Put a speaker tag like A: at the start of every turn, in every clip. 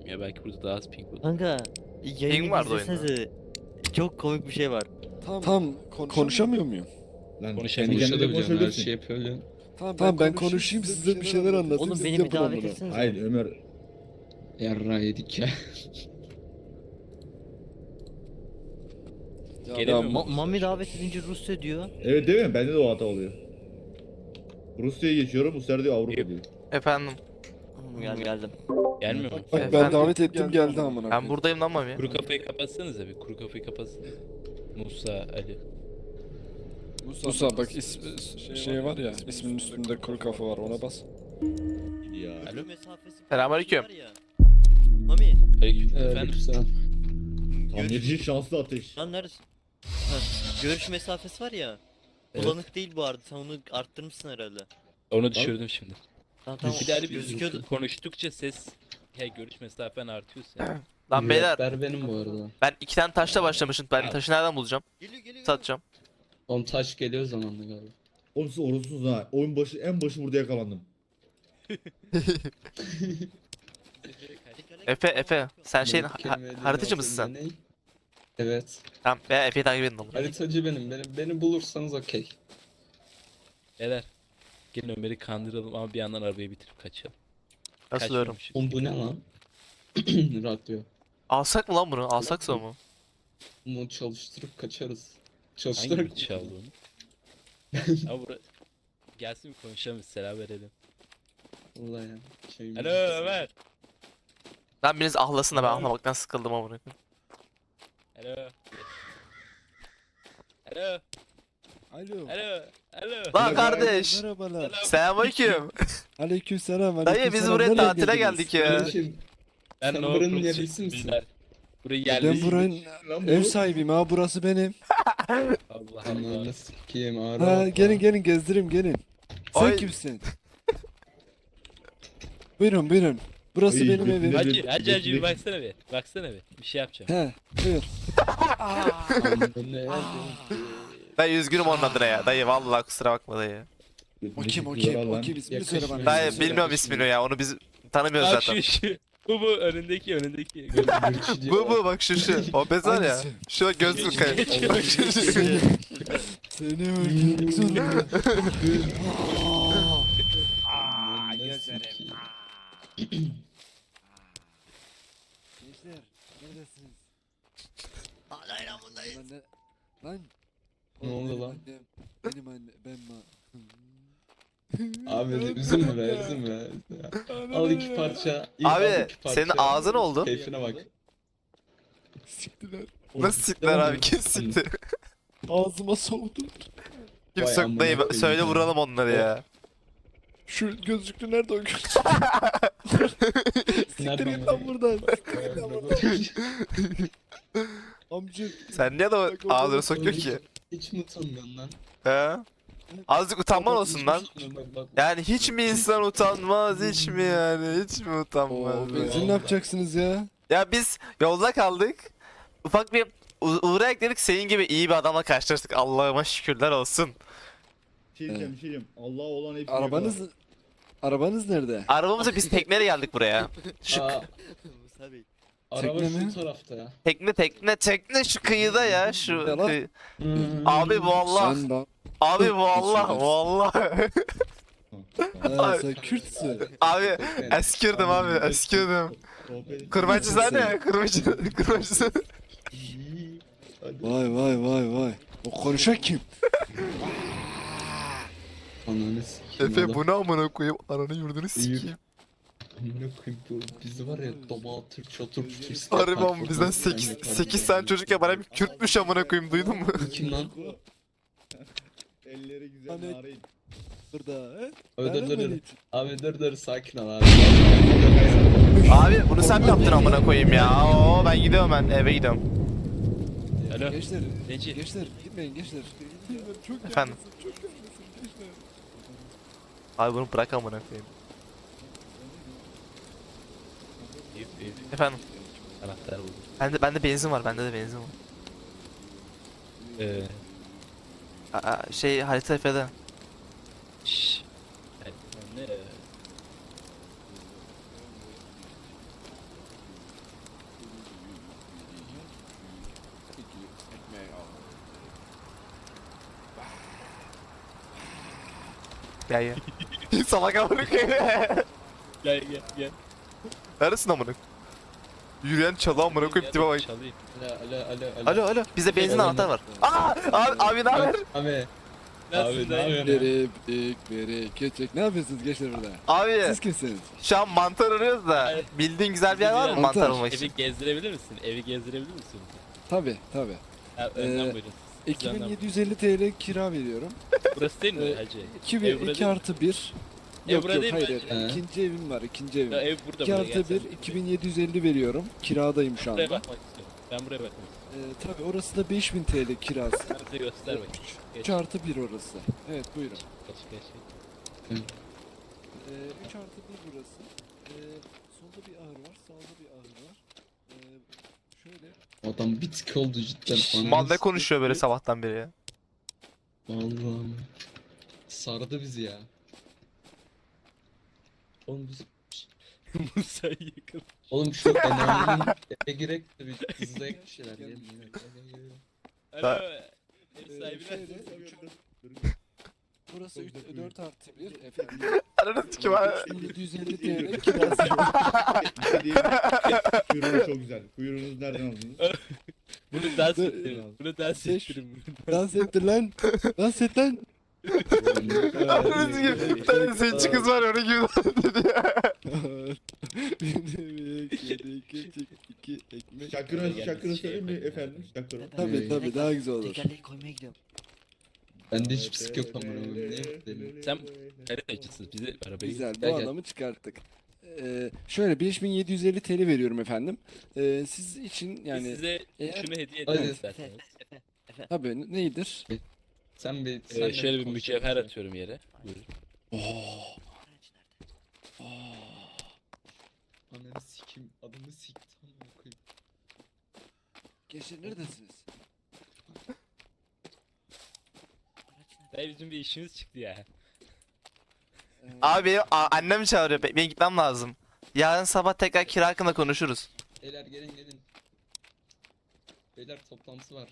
A: ya. Belki burada daha az ping olur.
B: Kanka
C: Ping
B: yayını
C: vardı oyunda.
B: izlesenize. Çok komik bir şey var.
D: Tam konuşamıyor muyum?
E: Lan
A: Konuşabiliyor.
E: kendi kendine
F: Konuşabiliyorsun, her
E: konuşabilirsin.
F: şey yapabiliyorsun.
D: Tamam ben konuşayım size bir şeyler anlatayım.
B: Oğlum
D: siz
B: beni bir
D: yapın
B: davet
D: amına.
B: etsenize.
E: Hayır Ömer.
F: Yarra yedik ya.
D: Ya,
A: Gelemiyor
D: ya,
A: mu?
B: Mami davet edince Rusya diyor.
E: Evet değil mi? Bende de o hata oluyor. Rusya'ya geçiyorum. Bu sefer diyor Avrupa diyor.
C: Efendim.
B: Geldim.
A: Gelmiyor mu?
D: Bak ben
C: Efendim?
D: davet ettim geldi amına.
C: Ben
D: koyayım.
C: buradayım lan Mami.
A: Kuru kafayı kapatsanıza bir. Kuru kafayı kapatsana. Musa, Ali.
D: Musa bak şey var ya isminin üstünde kuru kafa var ona bas.
E: Ya.
A: Alo?
C: Selamünaleyküm.
B: Var ya. Mami
A: Aleyküm. Efendim?
F: Aleykümselam.
E: Tamirci şanslı ateş.
B: lan neredesin? Ha, görüş mesafesi var ya.
A: Evet.
B: Bulanık değil bu arada. Sen onu arttırmışsın herhalde.
A: Onu düşürdüm şimdi.
B: Tamam
A: Bir de Ali biz
B: gözüküyordu.
A: konuştukça ses, görüş mesafen artıyor senin.
C: Lan beyler
F: Müretber benim bu arada.
C: ben 2 tane taşla başlamışım. Ben taşı nereden bulacağım?
B: Geliyor.
C: Satacağım.
F: Oğlum taş geliyor zamanla galiba.
E: Oğlum siz orosuz ha. Oyun başı en başı burada yakalandım.
C: Efe sen şeyin
F: Bu kelimeleri
C: haritacı mısın sen?
F: ne? Evet.
C: Tamam veya Efe'yi takip edin oğlum.
F: Haritacı benim. Beni bulursanız okey.
A: Beyler. Gelin Ömer'i kandıralım ama bir yandan arabayı bitirip kaçalım.
C: Asılıyorum.
A: Kaçmamışız.
F: Oğlum bu ne lan? Radyo.
C: Alsak mı lan bunu? Alsaksa mı?
F: Bunu çalıştırıp kaçarız.
A: Hangi
F: Çalıştırarak
A: bir çaldı onu? Ama bura... Gelsin bir konuşalım, selam verelim.
F: Vallahi ya. Şey
A: Alo Ömer.
C: Lan biriniz ahlasın da ben ahlamaktan sıkıldım amına koyayım.
A: Alo. Alo.
D: Alo.
A: Alo. Alo.
C: Lan kardeş.
D: Merhabalar.
C: Selamünaleyküm.
D: Aleykümselam.
C: Dayı biz buraya tatile geldik ya.
F: Kardeşim,
A: Ben
F: sen
A: no
F: buranın
A: problem
F: yerlisi misin?
A: beyler. Burayı
D: Ben
A: yerlisi.
D: buranın
E: Lan bu.
D: ev sahibiyim ha burası benim.
A: Allah Allah.
F: Ananı sikeyim ağrı.
D: Ha gelin gezdireyim gelin. Sen
C: Ay.
D: kimsin? Buyurun. Burası
E: Ay,
D: benim evim.
E: götüne-
A: Hacı bir baksana bir. Baksana bir. Bir şey yapacağım.
D: He buyur.
F: Ne
C: Dayı üzgünüm onun adına ya. Dayı vallahi kusura bakma dayı.
D: O kim ismini
F: Yakışmıyor.
D: söyle bana.
C: Dayı
F: Yakışmıyor.
C: bilmiyorum ismini ya. Onu biz tanımıyoruz
A: Bak
C: zaten.
A: şu. Bu önündeki.
C: Bu bak şu. O bez var ya.
D: Hangisi?
C: Şu gözlük kayıp. Bak şu.
D: Seni öldürmek zorundayım. Gençler neredesiniz?
B: Hala İran'dayız.
D: Lan.
F: Ne oldu
D: Benim
F: lan?
D: annem, benim anne ben
F: Abi üzülme be üzülme. Ya. Al iki parça. al
C: Abi
F: iki parça.
C: senin ağzın oldu.
F: Keyfine bak.
D: Siktiler.
C: Nasıl siktiler abi? Kim sikti?
D: Ağzıma soğudu.
C: Kim
F: Vay
C: söktü
F: amına
C: dayı?
F: koyayım
C: Söyle
F: ya.
C: vuralım onları ya.
D: Şu gözlüklü nerede o gözlüklü? Siktir
F: Nereden
D: git lan buradan. Amca.
C: Sen niye de o ağzını sokuyor ki?
F: Hiç mi utanmıyorsun lan?
C: He? Azıcık utanman olsun lan. Yani hiç mi insan utanmaz hiç mi yani hiç mi utanmaz?
D: Oo, benzin ne yapacaksınız ya?
C: Ya biz yolda kaldık. Ufak bir uğra ekledik senin gibi iyi bir adamla karşılaştık. Allah'ıma şükürler olsun.
E: Bir şey diyeceğim. Allah olan hepsi.
D: Arabanız nerede?
C: Arabamıza biz tekneyle geldik buraya. Şu
F: Aa,
B: Musa Bey.
F: araba
D: Tekne
F: şu
D: mi?
F: tarafta ya.
C: tekne şu kıyıda ya şu
D: Ya lan.
C: Abi bu Allah.
D: Sen lan.
C: Abi bu Allah. Bu Allah.
D: Ha, sen Kürtsün.
C: Abi eskirdim abi eskirdim. Kırbacı sen ne? Kırbacı sen.
D: Vay. O konuşan kim?
F: Ananı sikeyim.
C: Efe
F: adam.
C: bu ne amına koyayım ananı yurdunu sikeyim.
F: Amına koyayım bu bizi var ya dama atır çatır çutur.
C: Harbi ama bizden 8 tane çocuk ya bana bir Kürtmüş amına koyayım duydun mu?
F: Kim lan?
E: Elleri güzel
D: Hani-
E: narin.
D: Burada he?
F: Dur. Abi dur sakin ol abi.
C: Abi bunu sen mi yaptın amına koyayım ya? Oo ben gidiyorum ben eve gidiyorum.
A: Alo.
D: Gençler,
A: Neci?
D: gitmeyin gençler. Çok
C: Efendim?
D: yalnızım, çok yalnızım gençler.
C: Abi bunu bırak amına koyayım. Efendim.
A: Anahtar buldum.
C: Bende benzin var bende de benzin var. Şey harita Efe'de.
A: Şşş. Ne?
C: Gel gel. Salak amına koyayım.
A: Gel gel.
C: Neredesin amına? Yürüyen çalı amına koyayım tipe bak.
A: Çalayım.
C: Alo. Bizde benzin anahtar var. Aa! Abi ne haber?
E: Abi.
A: Nasılsın
E: ne
A: dayı?
E: yapıyorsun?
D: Bereket. Ne yapıyorsunuz gençler burada?
C: Abi
D: Siz kimsiniz?
C: şu an mantar arıyoruz da
A: Evet.
C: bildiğin güzel bir yer var mı
D: Mantar.
C: mantar almak için?
A: Evi gezdirebilir misin? Evi gezdirebilir misin?
D: Tabi.
A: Ha, önden
D: Ee,
A: buyurun. Siz önden
D: 2750 TL kira veriyorum.
A: buyurun. Burası değil mi
D: Ee,
A: hacı?
D: 2
A: Ev
D: ve
A: burada
D: 2
A: değil mi?
D: artı 1.
A: Ev
D: Yok
A: burada
D: yok
A: değil mi?
D: hayır.
E: He.
D: İkinci evim var. İkinci evim.
A: Ya ev burada
D: 2
A: burada.
D: artı 1 2750 veriyorum. Kiradayım şu
A: Buraya
D: anda.
A: bakmak istiyorum. Ben buraya bakmak istiyorum.
D: Tabi orası da 5000 TL kirası.
A: Haritayı göster bakayım. Geç
D: 3 artı 1 orası. Evet buyurun.
A: geç.
D: 3 artı 1 burası. Solda bir ahır var. Sağda bir ahır var. Şöyle.
E: Adam bir tık oldu cidden.
C: Mal ne konuşuyor böyle sabahtan beri ya?
E: Allah'ım. Sardı bizi ya. Oğlum biz...
A: Musa yakın.
E: Oğlum şu enaminin eve girek de bir hızlayak bir şeyler yiyelim.
A: Alo. Ev
D: Ee,
A: sahibi
D: şöyle,
A: nerede?
D: Burası 4 artı 1 efendim.
C: Ananı sikim abi.
D: 3750 TL kirası.
E: Kuyruğunuz çok güzel. Kuyruğunuz nereden aldınız?
A: Bunu dans
D: Dur,
A: ettirin. Bunu dans
D: beş-
A: ettirin.
D: Dans ettir lan. Dans et lan.
C: Ananı sikim. Bir tane zenci kız var öyle gibi dedi ya.
D: İki ekmek.
E: Şakırı söyleyeyim mi efendim? Şakırı.
D: Tabii daha güzel olur.
B: Tekerleği koymaya gidiyorum.
E: Bende hiçbir sik yok amına koyayım. Ne yapayım?
A: Sen haritacısın. Bizi arabayı
D: Güzel bu
E: Gel, gel.
D: adamı çıkarttık. Şöyle 5750 TL veriyorum efendim. Siz için
A: yani
D: yani
A: size
D: eğer-
A: şunu hediye
E: Hadi.
A: edelim isterseniz.
D: tabii neyidir?
E: Sen bir...
A: Şöyle bir mücevher atıyorum yere. Buyurun.
E: Ananı sikim. Adamı siktim amına koyayım.
D: Gençler neredesiniz?
A: Dayı bizim bir işimiz çıktı ya.
C: Abi annem çağırıyor. Benim gitmem lazım. Yarın sabah tekrar kira hakkında konuşuruz.
E: Beyler gelin. Beyler toplantısı var.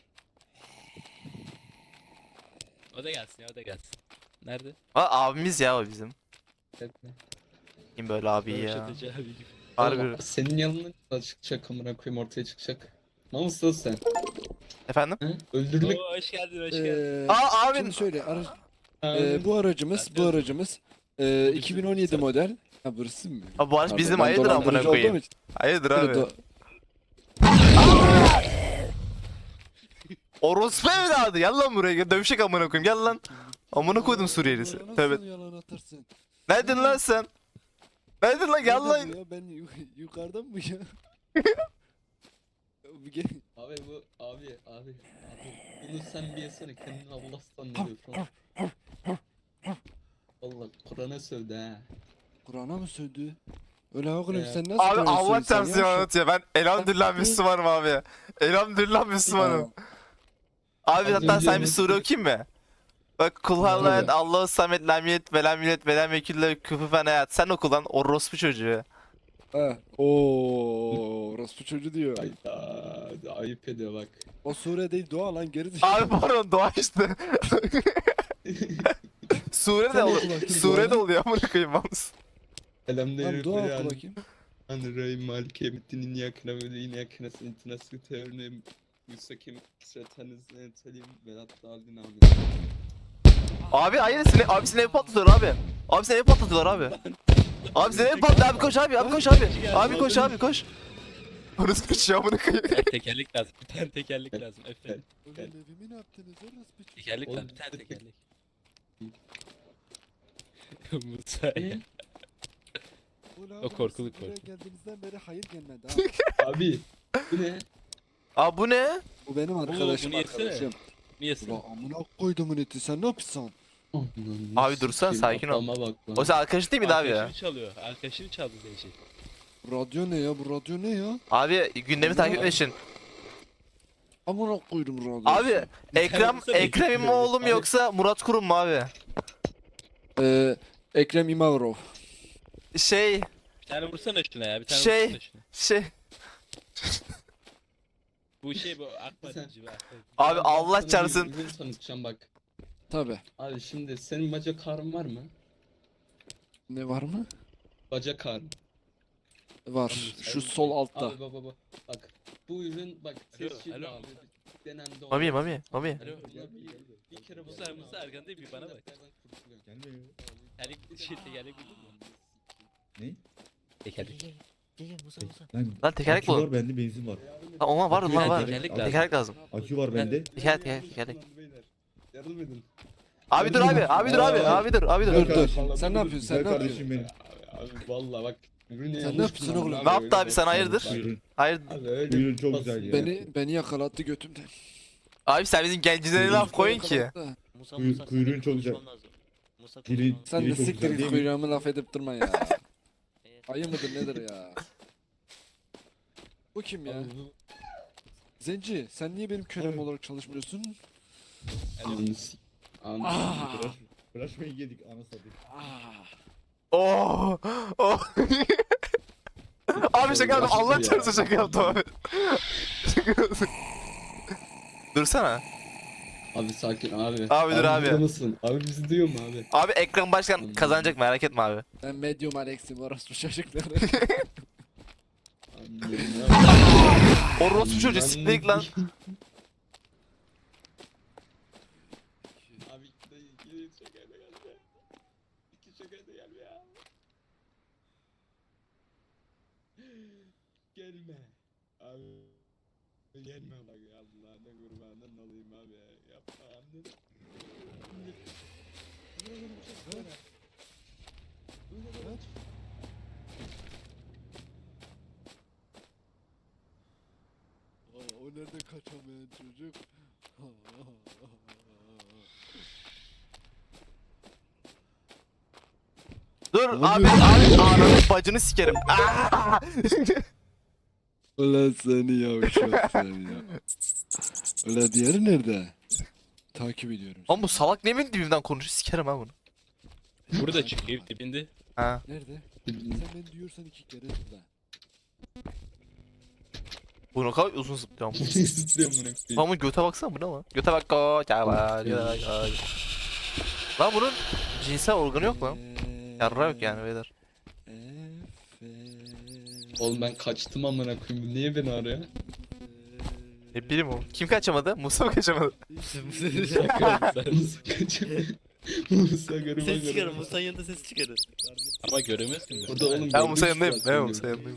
A: O da gelsin ya o da gelsin. Nerede?
C: Abimiz ya o bizim.
E: Bekle.
C: Kim böyle abi ya?
A: Röveşatacı abi gibi.
C: Harbi.
E: Oğlum, senin yanına da çıkacak amına koyayım ortaya çıkacak. Namuslu sen.
C: Efendim?
E: He? Öldürmek.
A: Oo, hoş geldin hoş geldin.
C: Abi.
D: Şimdi şöyle bu aracımız 2017 model. Ha burası mı?
C: Abi bu araç
D: Pardon,
C: bizim
D: ben
C: hayırdır amına
D: dolandırıcı olduğum
C: koyayım.
D: için-
C: Hayırdır
D: Böyle
C: abi. Orospu evladı gel lan buraya gel dövüşek amına koyayım gel lan. Amına koydum Suriyelisi.
D: Nasıl
C: Tövbe.
D: yalan atarsın?
C: Neydin lan sen? Neydin lan gel
D: Nerede
C: lan.
D: bu ya? Ben yukarıdan mı ya? Bu gel-
E: Abi bu abi. Bunu sen bir yesene kendini Allah sanıyor şu an. Allah Kur'an'a sövdü ha.
D: Kur'an'a mı sövdü? Öyle oğlum
E: Ee,
D: sen nasıl
C: Abi
D: Kur'an'a
C: Allah
D: sövdün sen
C: çarpsın
D: ya?
C: anlatıyor. Ben elhamdülillah Müslümanım abi. Elhamdülillah Müslümanım. Abi
E: Az
C: hatta
E: önce
C: sen bir
E: onu-
C: sure okuyayım mı? Bak kullarla
D: Tabii.
C: Allahu samet lam yet ve lam yulet ve lam yekille küfüfen hayat. Sen oku lan orospu çocuğu.
D: Ha. Oo, orospu çocuğu diyor.
E: Hayda ayıp ediyor bak.
D: O sure değil dua lan geri
C: Abi pardon doğa işte. Sure de
D: Sen oku
C: oluyor.
D: bakayım
C: Sure de
D: duanı.
C: oluyor amına koyayım yalnız.
D: Tamam
E: Elhamdülillah.
D: dua oku bakayım.
E: Anrayim malike mittinin yakına ve yakına sentine sıkıntı müstakim sıratanız talim velat daldin abi.
C: Abi hayır seni ev patlatıyorlar abi. Abi seni ev patlatıyorlar abi. Abi seni ev patlatıyor abi koş abi koş abi. Abi koş abi koş. Orası kaçıyor amına koyayım.
A: Bir tekerlek lazım. Bir tane tekerlek lazım. Efendim.
D: Ulan evimi ne yaptınız orospu çocuğu?
A: Tekerlek
E: Oğlum,
A: lazım. Bir tane
E: tek-
A: tekerlek. Musa ya.
D: Ulan
A: O
D: oğlum,
A: korkulu
D: siz buraya
A: korku.
D: geldiğinizden beri hayır gelmedi ha.
E: Abi bu ne?
C: Abi bu ne?
D: Bu benim arkadaşım
A: bunu yesene.
D: arkadaşım.
A: Niyesin?
D: Ulan amına koydumun eti sen ne yapıyorsun?
C: Abi dursana, sakin ol.
E: Adama bak lan.
C: O sen arkadaş değil miydi abi ya?
A: Arkadaşını çalıyor. Arkadaşını çaldı Zeyşi.
D: Radyo ne ya bu radyo ne ya?
C: Abi gündemi takip etmek için.
D: Amına koydum radyo.
C: Abi Ekrem İmamoğlu mu
A: Abi-
C: yoksa Murat Kurum mu abi?
D: Ekrem İmamoğlu.
C: Şey
A: Bir tane vursana şuna ya. Bir tane
C: Şey-
A: vursana şuna.
C: şey
A: Bu şey bu akma
E: Sen-
A: gibi akma.
C: abi
E: Ben
C: Allah
E: sana
C: çarpsın.
E: bir ürün tanıtacağım bak.
D: Tabi.
E: Abi şimdi senin bacak ağrın var mı?
D: Ne var mı?
E: Bacak ağrı.
D: Var. Şu sol altta.
E: Abi baba bak. Bu ürün bak
A: Alo,
E: tescilli
A: alo.
E: abi. Denendi
C: Mami
E: olmaz.
C: Mami Mami.
A: Alo.
E: Bir kere
A: Musa Erkan değil, bir bana bak.
G: Gelmiyor.
A: Tekerlek buldun mu?
G: Ne?
A: Tekerlek.
B: Gel Musa Musa.
C: Lan tekerlek
G: akü
C: bulun.
G: var bende benzin var.
C: Ha, ona var
G: Akü
C: lan var.
A: tekerlek lazım.
C: Tekerlek lazım.
G: Akü var bende.
C: Tekerlek.
E: Yardım edin.
C: Abi dur abi. Abi dur abi. Abi dur. Abi dur.
D: Dur dur.
G: kardeşim,
D: Sen ne yapıyorsun? Sen
G: Güzel
D: ne
G: kardeşim
D: yapıyorsun?
G: benim.
E: Abi valla bak. Ürünü
D: Sen
E: yanlış
D: ne yapıyorsun
E: kullandın
D: oğlum?
C: Ne yaptı abi sen
E: öyle
C: hayırdır?
G: Buyurun.
C: Hayır.
E: Abi öyle
G: Buyurun, çok
E: basit.
G: güzel ya.
D: Beni yakalattı götümden.
C: Abi sen bizim gencilere laf koyun ki.
D: Yakalattı.
B: Musa
G: Kuyu-
B: Musa.
G: kuyruğun
B: seninle
G: çok güzel.
B: konuşmam lazım. Musa
G: Dili-
B: konuşmam lazım.
D: Sen
G: Biri
D: de
G: çok
D: siktir
G: güzel
D: git
G: değil mi?
D: kuyruğumu laf edip durma ya.
B: Evet.
D: Ayı mıdır nedir ya? Bu kim ya?
E: Abi bu-
D: Zenci sen niye benim kölem olarak çalışmıyorsun?
E: Ananı s- Ananı
D: Ah!
G: Flaşmayı yedik ana satayım.
D: Ah!
C: Oh. Oh. Abi şaka yaptım. Allah çarpsın şaka yaptım abi. Şaka yaptım. Dursana.
E: Abi sakin abi.
C: Abi dur abi.
E: burada mısın? Abi bizi duyuyor mu abi?
C: Abi ekran başkan kazanacak merak etme abi.
D: Ben medium Alex'im orospu çocukları.
E: Abi, ya.
C: Orospu çocuğu siktik lan.
E: Abi iki şakayla gelme. İki şakayla gelme ya. Gelme. Abi gelme bak ya Allah'ına kurbanın olayım abi. Yapma anne.
D: O nerede kaçamayan çocuk?
C: Dur abi ananı bacını sikerim. Aa!
D: Ulan seni yavşak seni ya. Ulan diğeri nerede? Takip ediyorum.
C: Oğlum bu salak ne benim dibimden konuşuyor sikerim ha bunu.
A: Burada çıkıyor dibinde.
C: Ha.
D: Nerede? Sen beni diyorsan iki kere zıpla.
C: Bu ne kadar uzun zıplıyor ama.
E: Zıplıyorum bunu.
C: Ama göte baksana bu ne lan? Göte bak göte bak. Lan bunun cinsel organı yok lan. Yarra yok yani beyler.
E: Oğlum ben kaçtım amına koyayım. Bu niye beni arıyor?
C: Ne bileyim o. Kim kaçamadı? Musa mı kaçamadı?
E: Musa kaçıyor. Musa garıma
B: Ses çıkarın.
E: garıma.
B: Musa'nın yanında ses çıkarın.
A: Ama göremezsin. de.
E: Burada oğlum
C: Ben Musa
E: gördüm
C: yanındayım.
E: zaten
C: Ben Musa
E: gözümle.
C: yanındayım.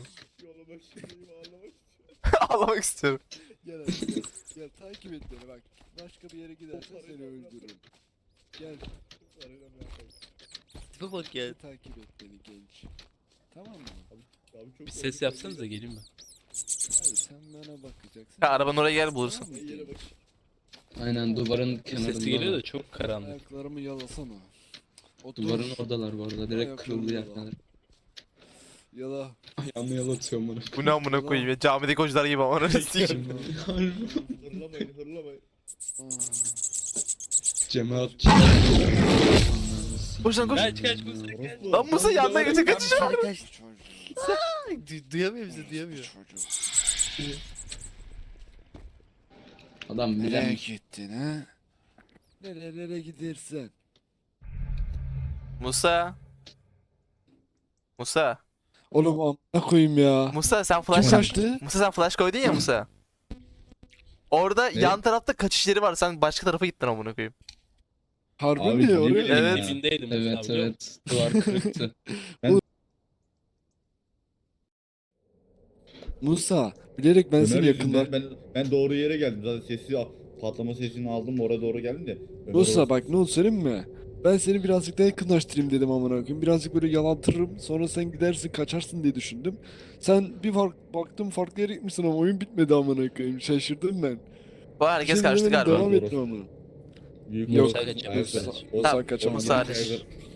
C: Ağlamak istiyorum.
D: Gel hadi gel. Gel takip et beni bak. Başka bir yere gidersen seni öldürürüm. Gel.
B: Tipe bak ya.
D: Takip et beni genç. Tamam mı?
A: Bir ses yapsanız da geleyim ben.
D: Hayır sen bana bakacaksın.
C: Ha, arabanın oraya gel bulursun.
D: Tamam mı?
E: Aynen duvarın kenarında.
A: Sesi geliyor da çok karanlık.
D: Ayaklarımı yalasana. Otur.
E: Duvarın oradalar bu arada. Direkt
D: Ayaklarını
E: kırıldı
D: yala.
E: yerler.
D: Yala.
E: Ayağımı yalatıyorum bunu.
C: Bu ne amına koyayım ya. Camideki hocalar gibi ama onu sikeyim.
G: Hırlamayın hırlamayın.
D: Aa.
E: Cemaatçi.
C: Koş lan koş.
A: Kaç Musa kaç.
C: Lan Musa yanına geçe kaçacağım.
B: Arkadaş
D: Çocuk.
B: duyamıyor bizi duyamıyor.
D: Çocuk.
E: Adam
D: Nereye
E: bilen.
D: gittin ha? Nerelere gidersen.
C: Musa. Musa.
D: Oğlum amına koyayım ya.
C: Musa sen
D: Kim
C: flash
D: kaçtı?
C: Musa sen flash koydun ya Musa. Orada
E: Ne?
C: yan tarafta kaçış yeri var. Sen başka tarafa gittin amına koyayım.
D: Harbi
G: Abi,
D: mi?
G: ne
D: Oraya
G: bileyim
C: Evet.
G: ya.
A: Dibindeydim Musa
E: Evet
A: abi, biliyor musun?
E: evet. Duvar kırıktı.
D: Musa, bilerek ben seni
G: Ömer
D: yakından...
G: yüzünden ben doğru yere geldim. Zaten patlama sesini aldım oraya doğru geldim de. Ömer
D: Musa
G: orası-
D: bak ne oldu söyleyeyim mi? Ben seni birazcık daha yakınlaştırayım dedim amına koyayım. Birazcık böyle yalantırırım. Sonra sen gidersin kaçarsın diye düşündüm. Sen bir baktım farklı yere gitmişsin ama oyun bitmedi amına koyayım. Şaşırdım ben.
C: Bu herkes
D: Şimdi
C: kaçtı
D: dedim,
C: galiba.
D: Devam ettim amına.
G: Büyük
D: Yok.
G: orası.
A: Musa
G: Ayaklar.
A: kaçamaz.
G: O-
C: Musa
G: o-
C: kaçamaz.
G: o-
C: Musa hariç.
G: ayaklar-